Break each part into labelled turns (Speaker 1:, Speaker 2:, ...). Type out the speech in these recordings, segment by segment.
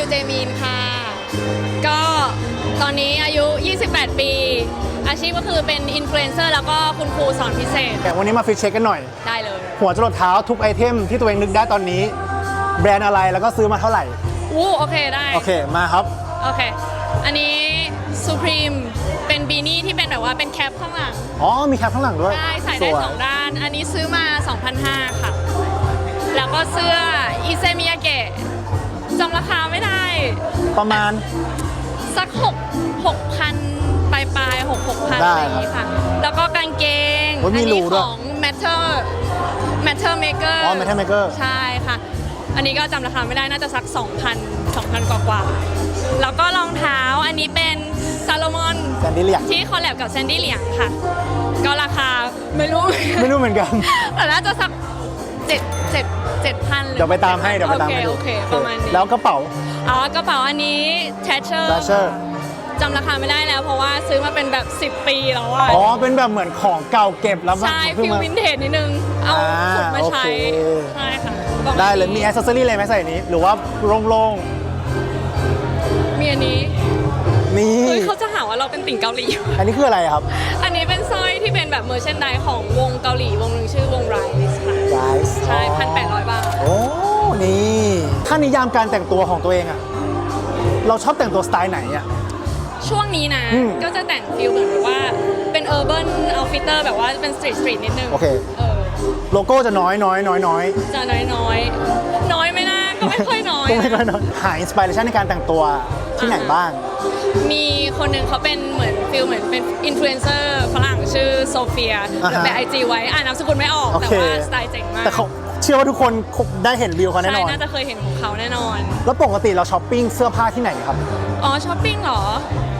Speaker 1: เจมีนค่ะก็ตอนนี้อายุ 28 ปี อาชีพก็คือเป็นอินฟลูเอนเซอร์แล้วก็คุณครูสอนพิเศษ
Speaker 2: แต่วันนี้มาฟิตเช็คกันหน่อย
Speaker 1: ได้เลย
Speaker 2: หัวจรดเท้าทุกไอเทมที่ตัวเองนึกได้ตอนนี้แบรนด์อะไรแล้วก็ซื้อมาเท่าไหร่
Speaker 1: โอเคได้
Speaker 2: โอเคมาครับ
Speaker 1: โอเคอันนี้ Supreme เป็นบีนี่ที่เป็นแบบว่าเป็นแคปข้างหลัง
Speaker 2: อ๋อมีแคปข้างหลังด้วย
Speaker 1: ใส่ได้2ด้านอันนี้ซื้อมา 2,500 ค่ะแล้วก็เสื้ออิเซมิยาเกะจำราคาไม่ได้
Speaker 2: ประมาณ
Speaker 1: สัก6,000 ปลาย6,000อะไรอย่างนี้ค่ะแล้วก็กางเกง
Speaker 2: อันนี้
Speaker 1: ของ Matter Maker
Speaker 2: อ๋อ Matter Maker
Speaker 1: ใช่ค่ะอันนี้ก็จำราคาไม่ได้น่าจะสัก 2,000 กว่าแล้วก็รองเท้าอันนี้เป็นซาโลมอน
Speaker 2: แซนดี้เหลียง
Speaker 1: ที่คอลแลบกับแซนดี้เหลียงค่ะก็ราคาไม่รู้
Speaker 2: เหมือนกัน
Speaker 1: แต่น่าจะสัก7,000
Speaker 2: เดี๋ยวไปตามให้
Speaker 1: โอเคประมาณนี้
Speaker 2: แล้วกระเป๋
Speaker 1: ากระเป๋าอันนี้ Thatcher จำราคาไม่ได้แล้วเพราะว่าซื้อมาเป็นแบบ10 ปีแล้วอ่ะ
Speaker 2: อ๋อเป็นแบบเหมือนของเก่าเก็บแล้ว
Speaker 1: ใช่ฟิลวินเทจนิดนึงเอาขุดมาใช้ใช่ค่ะ
Speaker 2: ได้เลยมีแอคเซสซอรี่อะไรไหมใส่นี้หรือว่าโล่ง
Speaker 1: มีอันนี้
Speaker 2: นี่
Speaker 1: เขาจะหาว่าเราเป็นติ่งเกาหลี
Speaker 2: อันนี้คืออะไรครับ
Speaker 1: อันนี้เป็นสร้อยที่เป็นแบบเมอร์เชนไดของวงเกาหลีวงหนึ่งชื่อวง Rise ค่ะ
Speaker 2: Rise
Speaker 1: ใช่ 1,800 บาท
Speaker 2: โอ้นี่ถ้านิยามการแต่งตัวของตัวเองอะเราชอบแต่งตัวสไตล์ไหนอะ
Speaker 1: ช่วงนี้นะก็จะแต่งฟิลเหมือนว่าเป็น urban outfitter แบบว่าเป็นสตรีทนิดนึง
Speaker 2: โอเคโลโก้จะน้อยจะน้อย
Speaker 1: ไม่น่าก็ไม่ค่อยน้อย
Speaker 2: หาอินสปิเรชันในการแต่งตัวที่ไหนบ้าง
Speaker 1: มีคนหนึ่งเขาเป็นเหมือนเป็นอินฟลูเอนเซอร์ฝรั่งชื่อโซเฟียแต่ IG ไว้นามสกุลไม่ออกแต่ว่าสไตล์เจ๋งมาก
Speaker 2: แต่เขาเชื่อว่าทุกคนได้เห็นวิวเขาแน่นอน
Speaker 1: ใช่น่าจะเคยเห็นของเขาแน่นอน
Speaker 2: แล้วปกติเราช้อปปิ้งเสื้อผ้าที่ไหนครับ
Speaker 1: ช้อปปิ้งเหรอ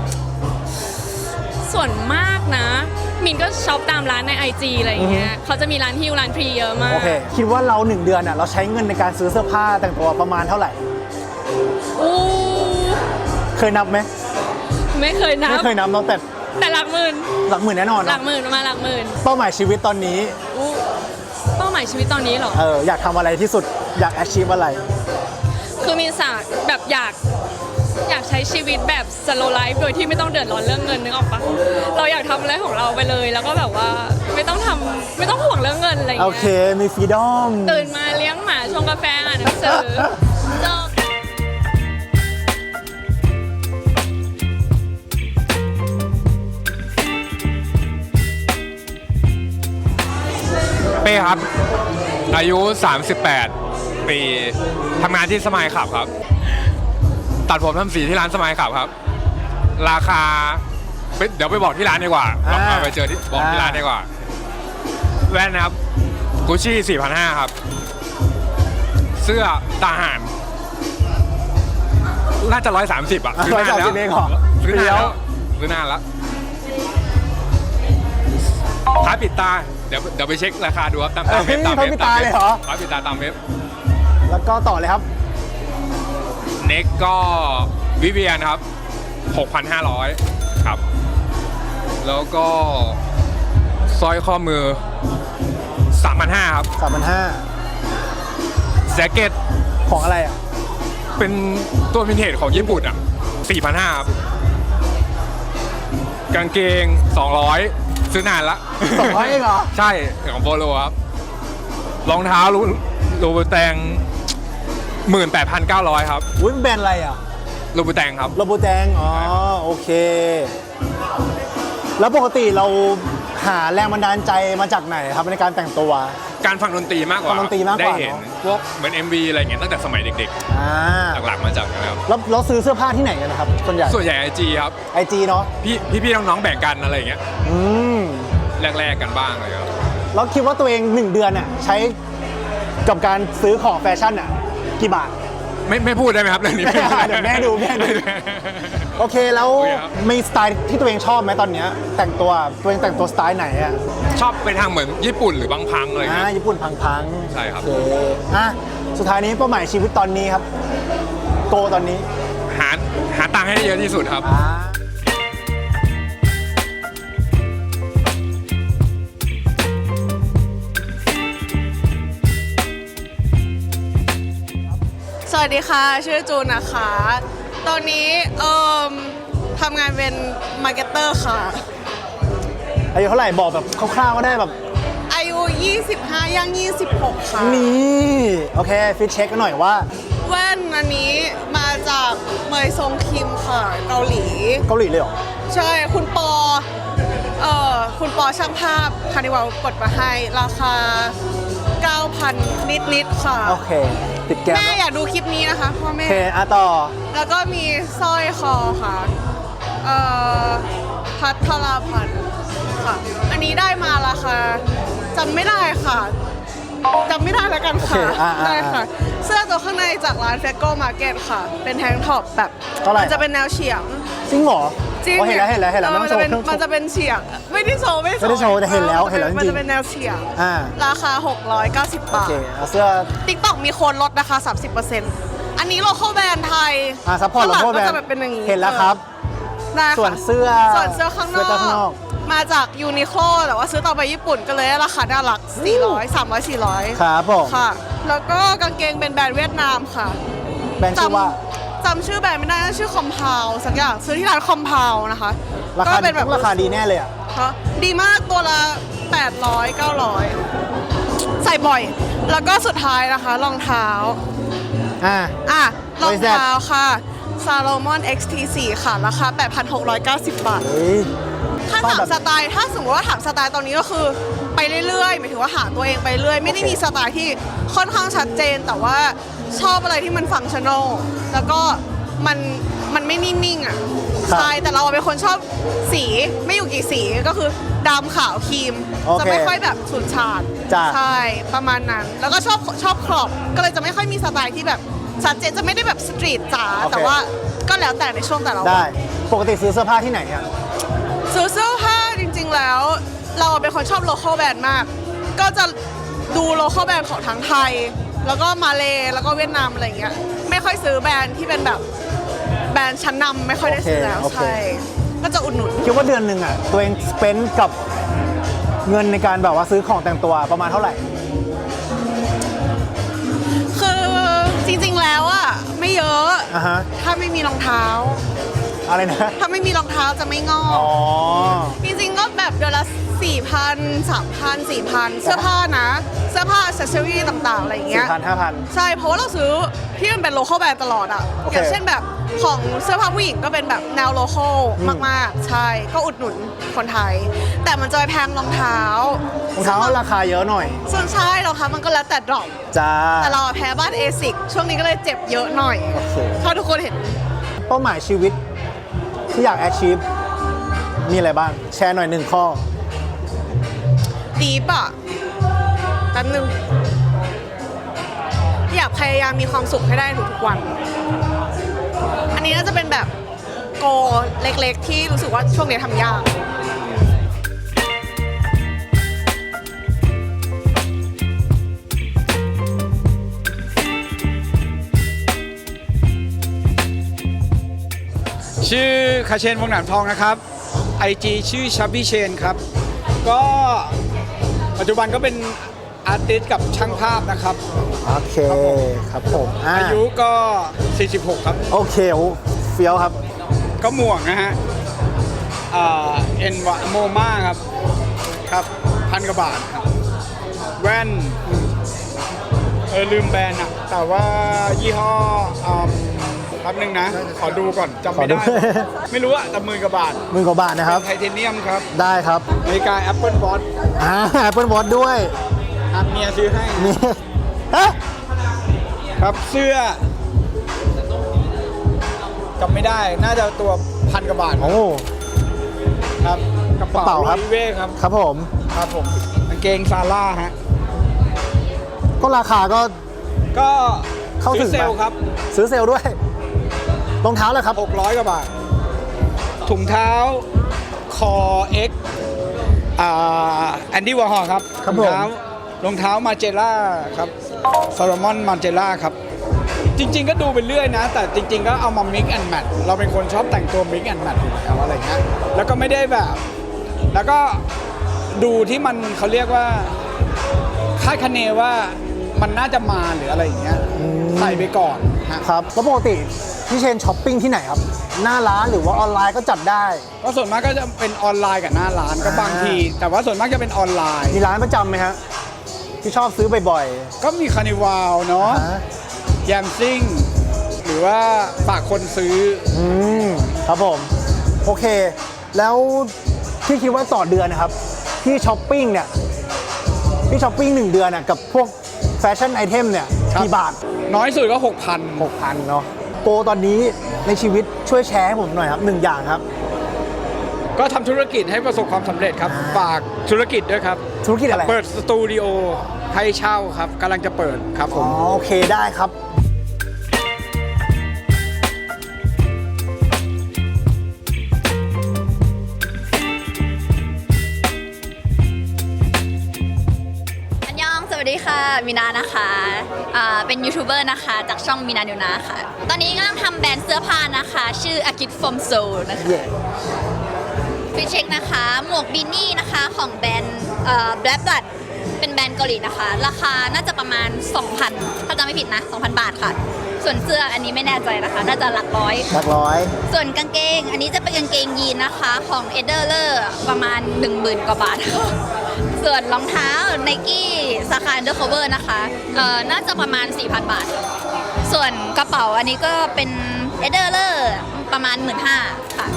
Speaker 1: ส่วนมากนะมินก็ช็อปตามร้านใน IG อะไรอย่างเงี้ยเขาจะมีร้านฮิวร้านพรีเยอะมาก
Speaker 2: โอเคคิดว่าเรา1 เดือนเราใช้เงินในการซื้อเสื้อผ้าแต่งตัวประมาณเท่าไหร่เคยนับไหม
Speaker 1: ไม่เคยนับ
Speaker 2: เนาะแต่
Speaker 1: หลักหมื่น
Speaker 2: แน่นอน
Speaker 1: หลักหมื่นประมาณหลักหมื่น
Speaker 2: เป้าหมายชีวิตตอนนี้
Speaker 1: เป้าหมายชีวิตตอนนี้เหรอ
Speaker 2: อยากทำอะไรที่สุดอยาก achieve อะไร
Speaker 1: คือมีสารแบบอยากใช้ชีวิตแบบ slow life โดยที่ไม่ต้องเดือดร้อนเรื่องเงินนึกออกปะเราอยากทำอะไรของเราไปเลยแล้วก็แบบว่าไม่ต้องห่วงเรื่องเงินอะไรอย่างเงี้ย
Speaker 2: โอเคมี freedom
Speaker 1: ตื่นมาเลี้ยงหมาชงกาแฟอ่านหนังสือจบ
Speaker 3: เป้ครับอายุ38 ปีทำงานที่สมายขับครับตัดผมทำสีที่ร้านสมายขับครับราคาเดี๋ยวไปบอกที่ร้านดีกว่าไปเจอที่บอกที่ร้านดีกว่าแว่นนะครับกุชชี่ 4,500 ครับเสื้อทหารน่าจะ130อ่ะ
Speaker 2: ซื้อนานแล้ว
Speaker 3: ซื้อนานแล้วท้ายปิดตาเดี๋ยวไปเช็คราคาดูครับตามเว็บ
Speaker 2: ท้ายปิดตาเลยเหรอ
Speaker 3: ท้ายปิดตาตามเว็บ
Speaker 2: แล้วก็ต่อเลยครับ
Speaker 3: เน็กก็วิเวียนครับ 6,500 ครับแล้วก็สร้อยข้อมือ 3,500 ครับ
Speaker 2: 3,500
Speaker 3: แจ็คเก็ต
Speaker 2: ของอะไรอ่ะ
Speaker 3: เป็นตัววินเทจของญี่ปุ่นอ่ะ 4,500 ครับกางเกง 200 ซื้อนานละ
Speaker 2: 200 เองเหรอ
Speaker 3: ใช่ของโปโลครับรองเท้าลูบูแตง 18,900 ครับ
Speaker 2: อุ้ยแบรนด์อะไรอ่ะ
Speaker 3: ลูบูแตงครับ
Speaker 2: ลูบูแตงโอเคแล้วปกติเราหาแรงบันดาลใจมาจากไหนครับในการแต่งตัว
Speaker 3: การฟังดนตรีมากกว่าได้เห็นพวกเหมือน MV อะไรเงี้ยตั้งแต่สมัยเด็กๆหลักๆมาจากนะครับ
Speaker 2: แล้วเราซื้อเสื้อผ้าที่ไหนกันนะครับส่วนใหญ่
Speaker 3: IG ครับ
Speaker 2: IG เนาะ
Speaker 3: พี่น้องๆแบ่งกันอะไรเงี้ยแรกๆกันบ้างเลยครับ
Speaker 2: แล้วคิดว่าตัวเอง1 เดือนใช้กับการซื้อของแฟชั่นกี่บาท
Speaker 3: ไม่พูดได้ไหมครับเรื่องนี้
Speaker 2: เดี๋ยวแม่ดูโอเคแล้วมีสไตล์ที่ตัวเองชอบไหมตอนนี้แต่งตัวแต่งตัวสไตล์ไหน
Speaker 3: ชอบไปทางเหมือนญี่ปุ่นหรือบางพังอะไรเงี้ย
Speaker 2: ญี่ปุ่นพัง
Speaker 3: ใช่ครับ
Speaker 2: สุดท้ายนี้เป้าหมายชีวิตตอนนี้ครับโกตอนนี้
Speaker 3: หาตังค์ให้เยอะที่สุดครับ
Speaker 4: สวัสดีค่ะ ชื่อจูนนะคะ ตอนนี้ทำงานเป็นมาร์เก็ตเตอร์ค่ะ
Speaker 2: อายุเท่าไหร่บอกแบบคร่าวๆก็ได้แบบ
Speaker 4: อายุ 25 ย่าง 26 ค่ะ
Speaker 2: นี่โอเคฟิตเช็คกันหน่อยว่า
Speaker 4: แว่นอันนี้มาจากเมยซงคิมค่ะ เกาหลี
Speaker 2: เกาหลีเลยเหรอ
Speaker 4: ใช่คุณปอคุณปอช่างภาพคานิวัลกดมาให้ราคา 9,000 นิดๆค่ะ
Speaker 2: โอเคติดแก้ม
Speaker 4: แม่อยากดูคลิปนี้นะคะพ่อ
Speaker 2: โอ
Speaker 4: แม่
Speaker 2: เคต่อ
Speaker 4: แล้วก็มีสร้อยคอค่ะพัทรพันธ์ค่ะ อันนี้ได้มาราคาจำไม่ได้ค่ะจำไม่ได้แล้วกันค่ะ
Speaker 2: โอเค
Speaker 4: ได้ค่ะ เสื้อตัวข้างในจากร้านเฟโก้มาร์เก็ตค่ะ เป็นแทงท็อปแบบ
Speaker 2: เท่าไหร่
Speaker 4: มันจะเป็นแนวเฉียง
Speaker 2: จริงเหรอ
Speaker 4: จริง
Speaker 2: อ๋อเห็นแล้วไม่
Speaker 4: มั
Speaker 2: ต้อง
Speaker 4: จะ
Speaker 2: โชว์
Speaker 4: เป็น
Speaker 2: เครื่อง
Speaker 4: มันจะเป็นเฉียง ไม่ได้โชว์
Speaker 2: ไม่ได้โชว์แต่เห็นแล้วเห็นแล้วจริงๆ
Speaker 4: มันจะเป็นแนวเฉียง
Speaker 2: อ่า
Speaker 4: ราคา 690
Speaker 2: โอบ
Speaker 4: าท
Speaker 2: เคเอาเสื้อ
Speaker 4: ติ๊กต็อกมีโค้ดลดนะคะ 30%อันนี้โลโก้แบรนด์ไทย
Speaker 2: ซัพพอร์ต
Speaker 4: ข้างห
Speaker 2: โล
Speaker 4: ลัง
Speaker 2: โก้แบร
Speaker 4: ก็
Speaker 2: น
Speaker 4: จะ
Speaker 2: ด์
Speaker 4: เป็นอย่างนี้
Speaker 2: เห็นแล้วครับ
Speaker 4: ได้ค่ะ
Speaker 2: ส่วนเสื้อ
Speaker 4: ส่วนเสื้อข้างน
Speaker 2: เสื้อข้างน
Speaker 4: อ
Speaker 2: อก ก
Speaker 4: มาจากยูนิโคลแต่ว่าซื้อต่อไปญี่ปุ่นก็เลยราคาน่ารัก 400 300 400
Speaker 2: ครับผม
Speaker 4: ค่ะ แล้วก็กางเกงเป็นแบรนด์เวียดนามค่ะ
Speaker 2: แบรนด์ชื่อว่า
Speaker 4: จำชื่อแบรนด์ไม่ได้นะชื่อคอมพาวสักอย่างซื้อที่ร้านคอมพาวนะคะ
Speaker 2: รา
Speaker 4: ก็
Speaker 2: คา
Speaker 4: เป็นแบบ
Speaker 2: ราคาดีแน่เลยอ่ะ
Speaker 4: คะดีมากตัวละ 800 900 ใส่บ่อย แล้วก็สุดท้ายนะคะรองเท้า
Speaker 2: อ่ะ
Speaker 4: รอง
Speaker 2: What is that?
Speaker 4: เท้าค่ะ Salomon XT4 ค่ะ ราคา 8,690 บาท
Speaker 2: เฮ้ย
Speaker 4: ถ้า
Speaker 2: ชอบ
Speaker 4: ถาม
Speaker 2: แบบ
Speaker 4: สไตล์ ถ้าสมมติว่าถามสไตล์ตอนนี้ก็คือไปเรื่อยๆหมายถึงว่าหาตัวเองไปเรื่อย ไม่ได้
Speaker 2: โอเค
Speaker 4: มีสไตล์ที่ค่อนข้างชัดเจน แต่ว่าชอบอะไรที่มันฟังก์ชั่นอล แล้วก็มันไม่นิ่งๆอ่ะ ใช่ แต่เราเป็นคนชอบสีไม่อยู่กี่สีก็คือดำขาวครีม
Speaker 2: โอเค
Speaker 4: จะไม่ค่อยแบบฉูดฉาด
Speaker 2: จ้ะ
Speaker 4: ใช่ประมาณนั้น แล้วก็ชอบครอบ ก็เลยจะไม่ค่อยมีสไตล์ที่แบบชัดเจนจะไม่ได้แบบสตรีทจ๋า
Speaker 2: โอเค
Speaker 4: แต่ว่าก็แล้วแต่ในช่วงแต่ละวัน
Speaker 2: ได้ปกติซื้อเสื้อผ้าที่ไหนอ่ะ
Speaker 4: ซื้อเสื้อผ้าจริงๆแล้ว เราเป็นคนชอบโลคอลแบรนด์มาก ก็จะดูโลคอลแบรนด์ของทั้งไทย แล้วก็มาเลแล้วก็เวียดนามอะไรอย่างเงี้ยไม่ค่อยซื้อแบรนด์ที่เป็นแบบแบรนด์ชั้นนำไม่ค่อยได้ซื้อแล้ว
Speaker 2: โอเค
Speaker 4: ใช่ก็จะอุดหนุน
Speaker 2: คิดว่าเดือนหนึ่งอ่ะ ตัวเองสเปนกับเงินในการแบบว่าซื้อของแต่งตัวประมาณเท่าไหร่
Speaker 4: คือจริงๆแล้วอะไม่เยอะ
Speaker 2: อ่าฮะ
Speaker 4: ถ้าไม่มีรองเท้า
Speaker 2: อะไรนะ
Speaker 4: ถ้าไม่มีรองเท้าจะไม่งอ
Speaker 2: อ๋
Speaker 4: ก
Speaker 2: อ
Speaker 4: จริงๆก็แบบเดือนละ 4,000 3,000 4,000 เสื้อผ้านะ เสื้อผ้า accessory ต่างๆ อะไรอย่างเงี้ย
Speaker 2: 4,000 5,000
Speaker 4: ใช่ เพราะว่าเราซื้อที่มันเป็นโลคอลแบรนด์ตลอดอ่ะ
Speaker 2: โอเค
Speaker 4: อย่างเช่นแบบของเสื้อผ้าผู้หญิงก็เป็นแบบแนวโลคอลมากๆ ใช่ ก็อุดหนุนคนไทย แต่มันจะไปแพงรองเท้าร
Speaker 2: องเท้าราคาเยอะหน่อย
Speaker 4: ส่วนใช่รองเท้ามันก็แล้วแต่ดรอป
Speaker 2: จ้า
Speaker 4: แต่เราอะแพ้บ้านเอซิกช่วงนี้ก็เลยเจ็บเยอะหน่อย
Speaker 2: โอเค
Speaker 4: ถ้าทุกคนเห็น
Speaker 2: เป้าหมายชีวิตที่อยาก achieve มีอะไรบ้าง แชร์หน่อยหนึ่งข้อ
Speaker 4: ดีป่ะแป๊บนึง อยากพยายามมีความสุขให้ได้ทุกๆวัน อันนี้น่าจะเป็นแบบโกเล็กๆ ที่รู้สึกว่าช่วงนี้ทำยาก
Speaker 5: ชื่อคาเชนวงหนามทองนะครับ IG ชื่อชับบี้เชนครับ ก็ปัจจุบันก็เป็นอาร์ติสต์กับช่างภาพนะครับ
Speaker 2: โอเค ครับผม
Speaker 5: อายุก็ 46 ครับ
Speaker 2: โอเคโอ้เฟี้ยวครับ
Speaker 5: ก็หมวกนะฮะเอ็นวะโมมาครับ ครับ1,000 กว่าบาทครับ แว่น ลืมแบรนด์อะแต่ว่ายี่ห้อแป๊บนึงนะ ขอดูก่อนจำไม่ได้
Speaker 2: ขอดู
Speaker 5: ไม่รู้อะแต่10,000 กว่าบาท
Speaker 2: หมื่นกว่าบาทนะครับ
Speaker 5: ไทเทเนียมครับ
Speaker 2: ได้ครับ
Speaker 5: นาฬิกา Apple Watch
Speaker 2: Apple Watch ด้วย
Speaker 5: ครับเมียซื้อให้
Speaker 2: นี่เอ๊ะ
Speaker 5: ครับเสื้อจำไม่ได้น่าจะตัว1,000 กว่าบาท
Speaker 2: โอ้
Speaker 5: ครับกระ
Speaker 2: กระเป๋า
Speaker 5: เป๋า
Speaker 2: ครับ
Speaker 5: โรลิเว่ครับ
Speaker 2: ครับผม
Speaker 5: ครับผมกางเกงซาร่าฮะ
Speaker 2: ก็ราคาก็
Speaker 5: ก็
Speaker 2: เข้าถึ
Speaker 5: ซื้อง เซลล์ครับ
Speaker 2: ซื้อเซลล์ด้วย รองเท้าเลยครับ
Speaker 5: 600 กว่าบาท ถุงเท้าคอ X แอนดี้วอร์ฮอลครับ
Speaker 2: ครับ
Speaker 5: ถุง
Speaker 2: ผม
Speaker 5: เท้ารองเท้ามาเจล่าครับซาลมอนมาเจล่าครับ จริง ๆ ก็ดูไปเรื่อยนะ แต่จริง ๆ ก็เอามา mix and match เราเป็นคนชอบแต่งตัว mix and match อยู่แล้วอะไรเงี้ยแล้วก็ไม่ได้แบบ แล้วก็ดูที่มันเขาเรียกว่าคาดคะเนว่ามันน่าจะมาหรืออะไรอย่างเงี้ยใส่ไปก่อน
Speaker 2: ครับแล้วปกติพี่เชนช้อปปิ้งที่ไหนครับ หน้าร้านหรือว่าออนไลน์ก็จัดได้
Speaker 5: ก็ส่วนมากก็จะเป็นออนไลน์กับหน้าร้านก็บางที แต่ว่าส่วนมากจะเป็นออนไลน์
Speaker 2: มีร้านประจำไหมฮะที่ชอบซื้อบ่อย
Speaker 5: ก็มีคานิวาล
Speaker 2: ๆ
Speaker 5: เนาะ
Speaker 2: ฮะ
Speaker 5: แยมซิ่ง หรือว่าฝากคนซื้อ
Speaker 2: ครับผม โอเค แล้วพี่คิดว่าต่อเดือนนะครับพี่ช้อปปิ้งเนี่ยพี่ช้อปปิ้ง1 เดือนน่ะกับพวกแฟชั่นไอเทมเนี่ย
Speaker 5: ครับ
Speaker 2: กี่บาท
Speaker 5: น้อยสุดก็
Speaker 2: 6,000เนาะโปรตอนนี้ในชีวิตช่วยแชร์ให้ผมหน่อยครับ1 อย่างครับ
Speaker 5: 6,000 ก็ทำธุรกิจให้ประสบความสำเร็จครับ ฝากธุรกิจด้วยครับ
Speaker 2: ธุรกิจอะไร
Speaker 5: เปิดสตูดิโอให้เช่าครับกำลังจะเปิดครับผ
Speaker 2: อ๋อ
Speaker 5: ม
Speaker 2: โอเคได้ครับ
Speaker 6: อันยองสวัสดีค่ะมินานะคะเป็นยูทูบเบอร์นะคะจากช่องมินานิวนาค่ะ ตอนนี้กำลังทำแบรนด์เสื้อผ้านะคะ ชื่อ Akit from Seoul นะคะ
Speaker 2: เย่
Speaker 6: ฟิชเช็คนะคะ หมวกบินนี่นะคะของแบรนด์Black Blood เป็นแบรนด์เกาหลีนะคะ ราคาน่าจะประมาณ 2,000 ถ้าจำไม่ผิดนะ 2,000 บาทค่ะ ส่วนเสื้ออันนี้ไม่แน่ใจนะคะ น่าจะหลักร้อย
Speaker 2: หลักร้อย
Speaker 6: ส่วนกางเกง อันนี้จะเป็นกางเกงยีนนะคะของ e d e r l e r ประมาณ 10,000 กว่าบาท ส่วนรองเท้า Nike สาขา Undercover นะคะน่าจะประมาณ 4,000 บาท ส่วนกระเป๋าอันนี้ก็เป็น e d e r l e r ประมาณ 15,000 ค่ะ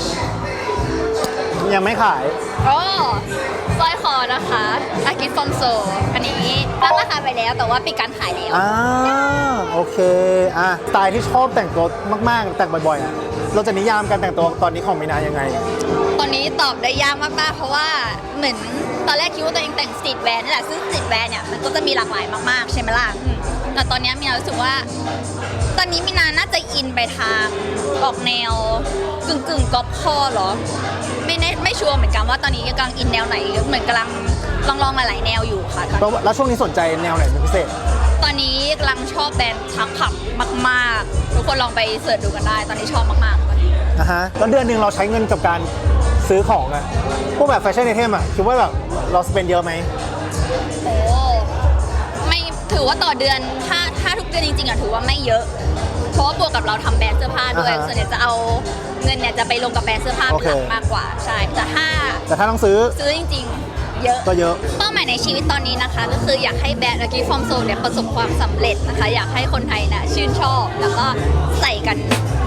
Speaker 2: ยังไม่ขาย
Speaker 6: โอ้สร้อยคอนะคะอากิฟอมโซอันนี้ตั้งราคาไปแล้วแต่ว่าปิดการขายแล้ว
Speaker 2: โอเคสไตล์ที่ชอบแต่งตัวมากๆ แต่งบ่อยๆอะเราจะนิยามการแต่งตัวตอนนี้ของมีนายังไง
Speaker 6: ตอนนี้ตอบได้ยากมากๆ เพราะว่าเหมือนตอนแรกคิดว่าตัวเองแต่งสตรีทแวร์นี่แหละซึ่งสตรีทแวร์เนี่ยมันก็จะมีหลากหลายมากๆ ใช่ไหมล่ะแต่ตอนนี้มีนารู้สึกว่า ตอนนี้มีนาน่าจะอินไปทางออกแนวกึ่งก๊อปคอเหรอไม่ชัวร์เหมือนกันว่าตอนนี้กำลังอินแนวไหนเหมือนกำลังลองหลายๆแนวอยู่ค่ะ
Speaker 2: แล้วช่วงนี้สนใจแนวไหนเป็นพิเศษ
Speaker 6: ตอนนี้กำลังชอบแบรนด์ทักขับมากๆ ทุกคนลองไปเสิร์ชดูกันได้ ตอนนี้ชอบมากๆตอนนี้
Speaker 2: แล้วเดือนหนึ่งเราใช้เงินกับการซื้อของอะพวกแบบแฟชั่นไอเทมอะคิดว่าแบบเราสเปนเยอะไหม
Speaker 6: โอ้ไม่ถือว่าต่อเดือนถ้าทุกเดือนจริงๆอะถือว่าไม่เยอะ เพราะว่าบวกกับเราทำแบรนด์เสื้อผ้าด้วย ส่วนใหญ่จะเอาเงินเนี่ยจะไปลงกับแบรนด์เสื้อผ้าเป็นหลักมากกว่าใช่แต่ถ้า
Speaker 2: ต้องซื้อ
Speaker 6: จริงๆเยอะ
Speaker 2: ก็เยอะ
Speaker 6: เป้าหมายในชีวิตตอนนี้นะคะ ก็คืออยากให้แบรนด์ Lucky From Seoul เนี่ยประสบความสำเร็จนะคะ อยากให้คนไทยนะชื่นชอบ แล้วก็ใส่กัน